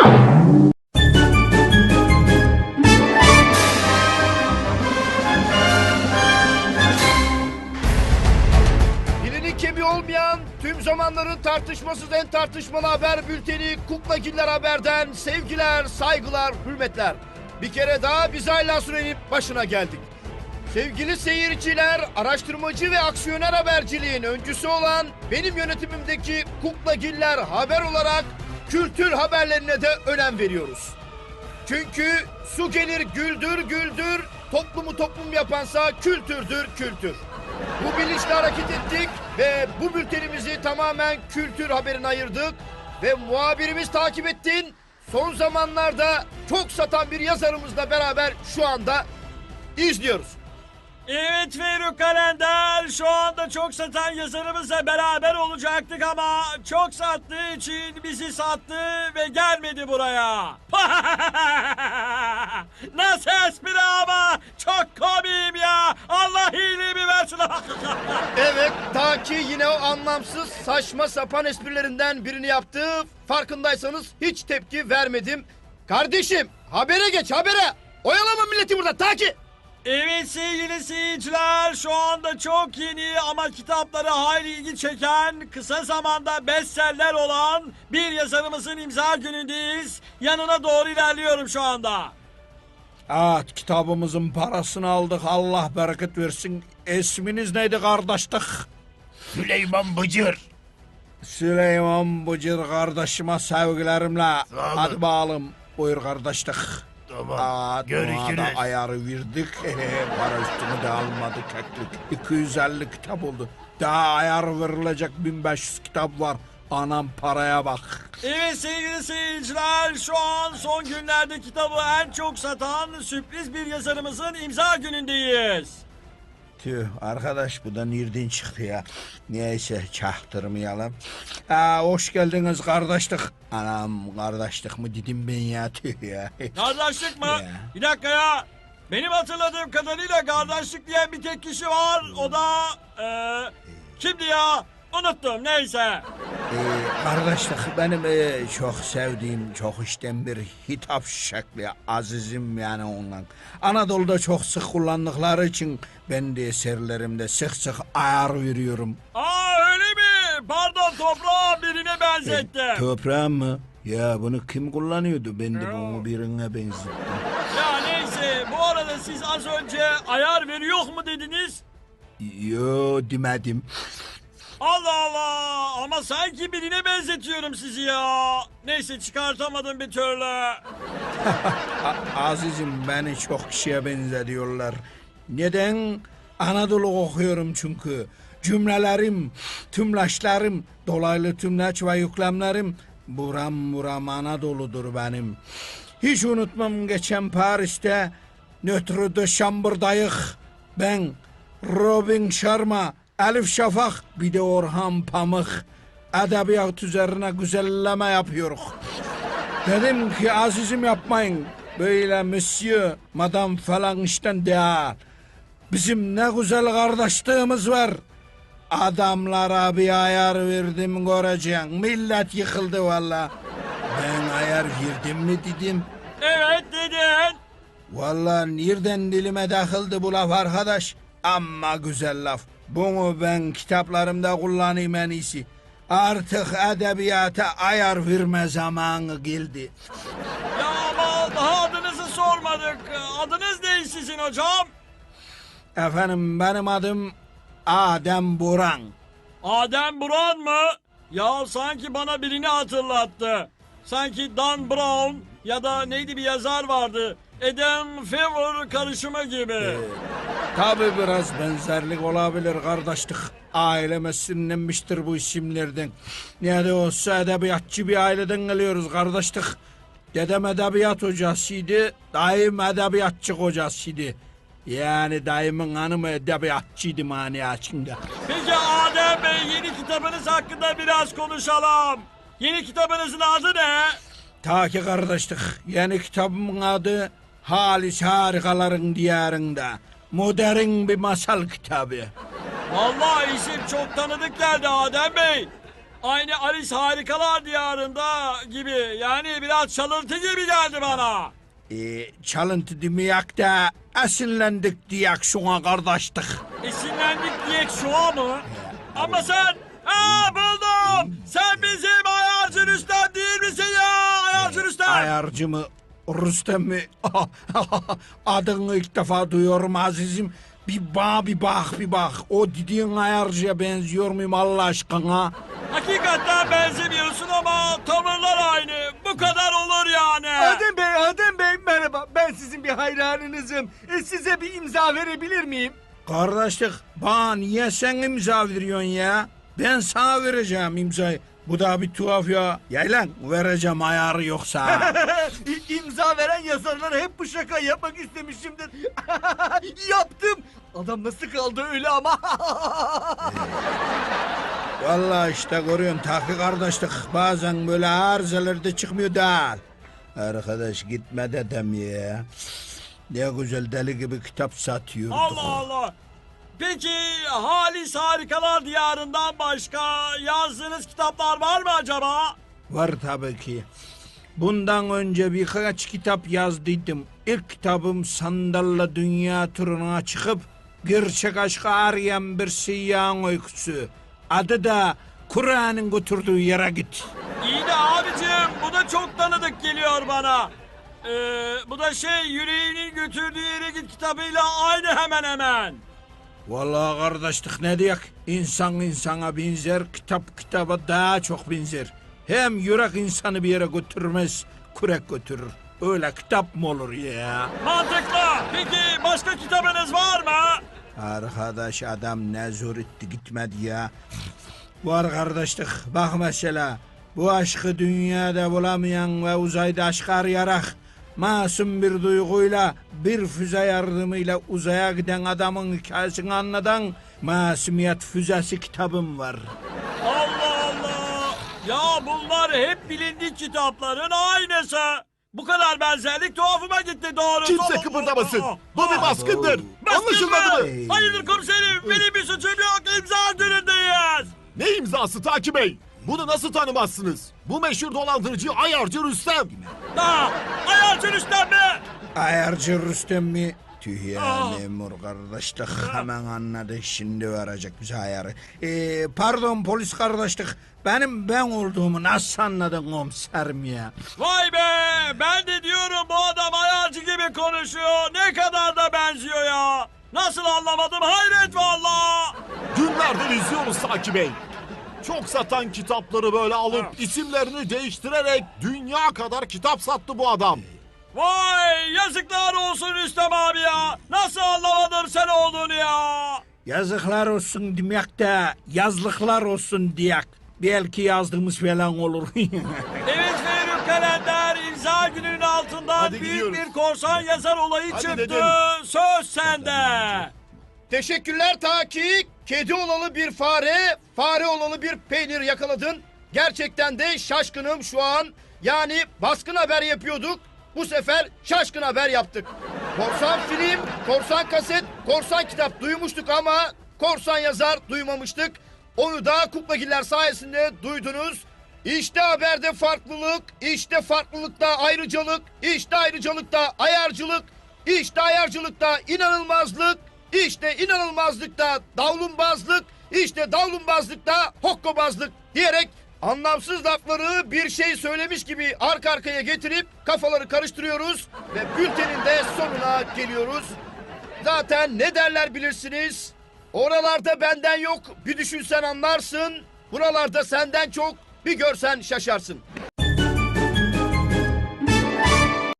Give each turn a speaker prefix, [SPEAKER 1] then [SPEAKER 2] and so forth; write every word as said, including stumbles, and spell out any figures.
[SPEAKER 1] Dilinin kemiği olmayan, tüm zamanların tartışmasız en tartışmalı haber bülteni Kuklagiller Haber'den sevgiler, saygılar, hürmetler. Bir kere daha biz Ayla Süren'in başına geldik. Sevgili seyirciler, araştırmacı ve aksiyoner haberciliğin öncüsü olan benim yönetimimdeki Kuklagiller Haber olarak kültür haberlerine de önem veriyoruz. Çünkü su gelir güldür güldür, toplumu toplum yapansa kültürdür kültür. Bu bilinçle hareket ettik ve bu bültenimizi tamamen kültür haberine ayırdık ve muhabirimiz takip ettin. Son zamanlarda çok satan bir yazarımızla beraber şu anda izliyoruz.
[SPEAKER 2] Evet Ferruh Kalender, şu anda çok satan yazarımızla beraber olacaktık ama çok sattığı için bizi sattı ve gelmedi buraya. Nasıl espri ama çok komiyim ya. Allah iyiliğimi versin.
[SPEAKER 1] Evet, ta ki yine o anlamsız saçma sapan esprilerinden birini yaptı. Farkındaysanız hiç tepki vermedim. Kardeşim, habere geç habere. Oyalama milleti burada ta ki.
[SPEAKER 2] Evet sevgili seyirciler, şu anda çok yeni ama kitapları hayli ilgi çeken, kısa zamanda bestseller olan bir yazarımızın imza günündeyiz. Yanına doğru ilerliyorum şu anda.
[SPEAKER 3] Evet, kitabımızın parasını aldık, Allah bereket versin. İsminiz neydi kardeşlik?
[SPEAKER 4] Süleyman Bıcır.
[SPEAKER 3] Süleyman Bıcır kardeşime sevgilerimle. Hadi bakalım, buyur kardeşlik.
[SPEAKER 4] Tamam,
[SPEAKER 3] Evet,
[SPEAKER 4] görüşürüz.
[SPEAKER 3] ona da ayarı verdik. Para üstünü de almadı keklik. iki yüz elli kitap oldu. Daha ayar verilecek bin beş yüz kitap var. Anam paraya bak.
[SPEAKER 2] Evet sevgili seyirciler, şu an son günlerde kitabı en çok satan sürpriz bir yazarımızın imza günündeyiz.
[SPEAKER 3] Tüh arkadaş, bu da nereden çıktı ya? Neyse, çaktırmayalım. Ha, hoş geldiniz kardeşlik. Anam, kardeşlik mi dedim ben ya, tüh ya.
[SPEAKER 2] Kardeşlik mi?
[SPEAKER 3] Ya.
[SPEAKER 2] Bir dakika ya. Benim hatırladığım kadarıyla kardeşlik diyen bir tek kişi var. O da eee kimdi ya? Unuttum, neyse.
[SPEAKER 3] Ee, kardeşlik benim e, çok sevdiğim, çok işten bir hitap şekli, azizim yani ondan. Anadolu'da çok sık kullandıkları için ben de eserlerimde sık sık ayar veriyorum.
[SPEAKER 2] Aa öyle mi? Pardon, toprağı birine benzetti.
[SPEAKER 3] E, toprağım mı? Ya bunu kim kullanıyordu? Ben de bunu birine benzettim.
[SPEAKER 2] Ya neyse, bu arada siz az önce ayar veriyor mu dediniz?
[SPEAKER 3] Yo, demedim.
[SPEAKER 2] Allah Allah, ama sanki birine benzetiyorum sizi ya. Neyse, çıkartamadım bir türlü.
[SPEAKER 3] A- Azizim, beni çok kişiye benzetiyorlar. Neden? Anadolu okuyorum çünkü. Cümlelerim, tümleçlerim, dolaylı tümleç ve yüklemlerim buram buram Anadolu'dur benim. Hiç unutmam, geçen Paris'te Notre de Chamber'dayık. Ben, Robin Sharma, Elif Şafak, bir de Orhan Pamuk edebiyat üzerine güzelleme yapıyoruz. Dedim ki azizim yapmayın. Böyle monsieur, madam falan işten değil. Bizim ne güzel kardeşliğimiz var. Adamlara bir ayar verdim göreceksin. Millet yıkıldı valla. Ben ayar verdim mi dedim.
[SPEAKER 2] Evet dedin.
[SPEAKER 3] Valla nereden dilime takıldı bu laf arkadaş. Amma güzel laf. Bunu ben kitaplarımda kullanayım en iyisi. Artık edebiyata ayar verme zamanı geldi.
[SPEAKER 2] Ya ama daha adınızı sormadık. Adınız ne sizin hocam?
[SPEAKER 3] Efendim, benim adım Adem Buran.
[SPEAKER 2] Adem Buran mı? Ya sanki bana birini hatırlattı. Sanki Dan Brown ya da neydi bir yazar vardı. Adam Favor karışımı gibi.
[SPEAKER 3] Ee, tabi biraz benzerlik olabilir kardeşlik. Aileme sinirlenmiştir bu isimlerden. Ne de olsa edebiyatçı bir aileden geliyoruz kardeşlik. Dedem edebiyat hocasıydı, dayım edebiyatçı hocasıydı. Yani dayımın hanımı edebiyatçıydı mani açında.
[SPEAKER 2] Peki Adem Bey, yeni kitabınız hakkında biraz konuşalım. Yeni kitabınızın adı ne?
[SPEAKER 3] Ta ki kardeşlik, yeni kitabımın adı Halis Harikaların Diyarında. Modern bir masal kitabı.
[SPEAKER 2] Vallahi isim çok tanıdık geldi Adem Bey. Aynı Alice Harikalar Diyarı'nda gibi. Yani biraz çalıntı gibi geldi bana.
[SPEAKER 3] E, çalıntı demeyek de esinlendik diyek şuna kardeşlik.
[SPEAKER 2] Esinlendik diye şu an mı? Ama sen... Aa buldum! Sen bizim ayarcı Rüstem değil misin ya? Ayarcı Rüstem!
[SPEAKER 3] Ayarcı mı? Rüstem mi? Adını ilk defa duyuyorum azizim. Bir bak bir bak bir bak. O dediğin ayarcıya benziyor muyum Allah aşkına?
[SPEAKER 2] Hakikaten benzemiyorsun ama tavırlar aynı. Bu kadar olur yani.
[SPEAKER 5] Adem Bey, Adem Bey merhaba. Ben sizin bir hayranınızım. E, size bir imza verebilir miyim?
[SPEAKER 3] Kardeşlik bana niye sen imza veriyorsun ya? Ben sana vereceğim imzayı. Bu da bir tuhaf ya. Yaylan vereceğim ayarı yoksa.
[SPEAKER 5] İmza veren yazarlara hep bu şaka yapmak istemişimdir. Yaptım. Adam nasıl kaldı öyle ama.
[SPEAKER 3] Vallahi işte görüyorsun Tahki kardeşlik bazen böyle arızalarda çıkmıyor değil. Arkadaş gitme dedem ya. Ne güzel deli gibi kitap satıyorduk.
[SPEAKER 2] Allah Allah. Peki Halis Harikalar Diyarı'ndan başka yazdığınız kitaplar var mı acaba?
[SPEAKER 3] Var tabii ki. Bundan önce birkaç kitap yazdıydım. İlk kitabım Sandal'la dünya turuna çıkıp gerçek aşkı arayan bir seyyahın öyküsü. Adı da Kur'an'ın götürdüğü yere git.
[SPEAKER 2] İyi de abicim bu da çok tanıdık geliyor bana. Ee, bu da şey yüreğinin götürdüğü yere git kitabıyla aynı hemen hemen.
[SPEAKER 3] Vallahi kardeşlik ne diyek? İnsan insana benzer, kitap kitaba daha çok benzer. Hem yürek insanı bir yere götürmez, kürek götürür. Öyle kitap mı olur ya?
[SPEAKER 2] Mantıklı. Peki başka kitabınız var mı?
[SPEAKER 3] Arkadaş adam ne zor etti gitmedi ya. Var kardeşlik bak mesela. Bu aşkı dünyada bulamayan ve uzayda aşk arayarak masum bir duyguyla bir füze yardımıyla uzaya giden adamın hikayesini anlatan Masumiyet Füzesi kitabım var.
[SPEAKER 2] Allah Allah. Ya bunlar hep bilindik kitapların aynısı. Bu kadar benzerlik tuhafıma gitti doğrusu.
[SPEAKER 4] Kimse kıpırdamasın. Bu bir baskındır. Anlaşılmadı mı?
[SPEAKER 2] mı? Hayırdır komiserim? Benim bir suçum yok. İmza günündeyiz.
[SPEAKER 4] Ne imzası Taki Bey? Bunu nasıl tanımazsınız? Bu meşhur dolandırıcı ayarcı Rüstem.
[SPEAKER 2] Ha, ayarcı Rüstem mi?
[SPEAKER 3] Ayarcı Rüstem mi? Tüh ya
[SPEAKER 2] Ah.
[SPEAKER 3] memur kardeşlik hemen anladı şimdi verecek bize ayarı. Ee, pardon polis kardeşlik benim ben olduğumu nasıl anladın komiserim ya?
[SPEAKER 2] Vay be! Ben de diyorum bu adam ayarcı gibi konuşuyor. Ne kadar da benziyor ya. Nasıl anlamadım hayret valla.
[SPEAKER 4] Günlerdir izliyoruz Taki Bey. Çok satan kitapları böyle alıp isimlerini değiştirerek dünya kadar kitap sattı bu adam.
[SPEAKER 2] Vay yazıklar olsun Rüstem abi ya. Nasıl anlamadın sen olduğunu ya.
[SPEAKER 3] Yazıklar olsun demek de yazlıklar olsun diyek. Belki yazdığımız falan olur.
[SPEAKER 2] Evet Feyruk Kalender imza gününün altından
[SPEAKER 4] Hadi
[SPEAKER 2] büyük
[SPEAKER 4] gidiyoruz.
[SPEAKER 2] bir korsan yazar olayı
[SPEAKER 4] Hadi
[SPEAKER 2] çıktı.
[SPEAKER 4] dedim.
[SPEAKER 2] Söz sende.
[SPEAKER 1] Teşekkürler Taki. Kedi olalı bir fare, fare olalı bir peynir yakaladın. Gerçekten de şaşkınım şu an. Yani baskın haber yapıyorduk. Bu sefer şaşkın haber yaptık. Korsan film, korsan kaset, korsan kitap duymuştuk ama korsan yazar duymamıştık. Onu da Kuklagiller sayesinde duydunuz. İşte haberde farklılık, işte farklılıkta ayrıcalık, işte ayrıcalıkta ayarcılık, işte ayarcılıkta inanılmazlık, işte inanılmazlıkta davlumbazlık, işte davlumbazlıkta hokkabazlık diyerek anlamsız lafları bir şey söylemiş gibi arka arkaya getirip kafaları karıştırıyoruz ve bültenin de sonuna geliyoruz. Zaten ne derler bilirsiniz. Oralarda benden yok, bir düşünsen anlarsın. Buralarda senden çok, bir görsen şaşarsın.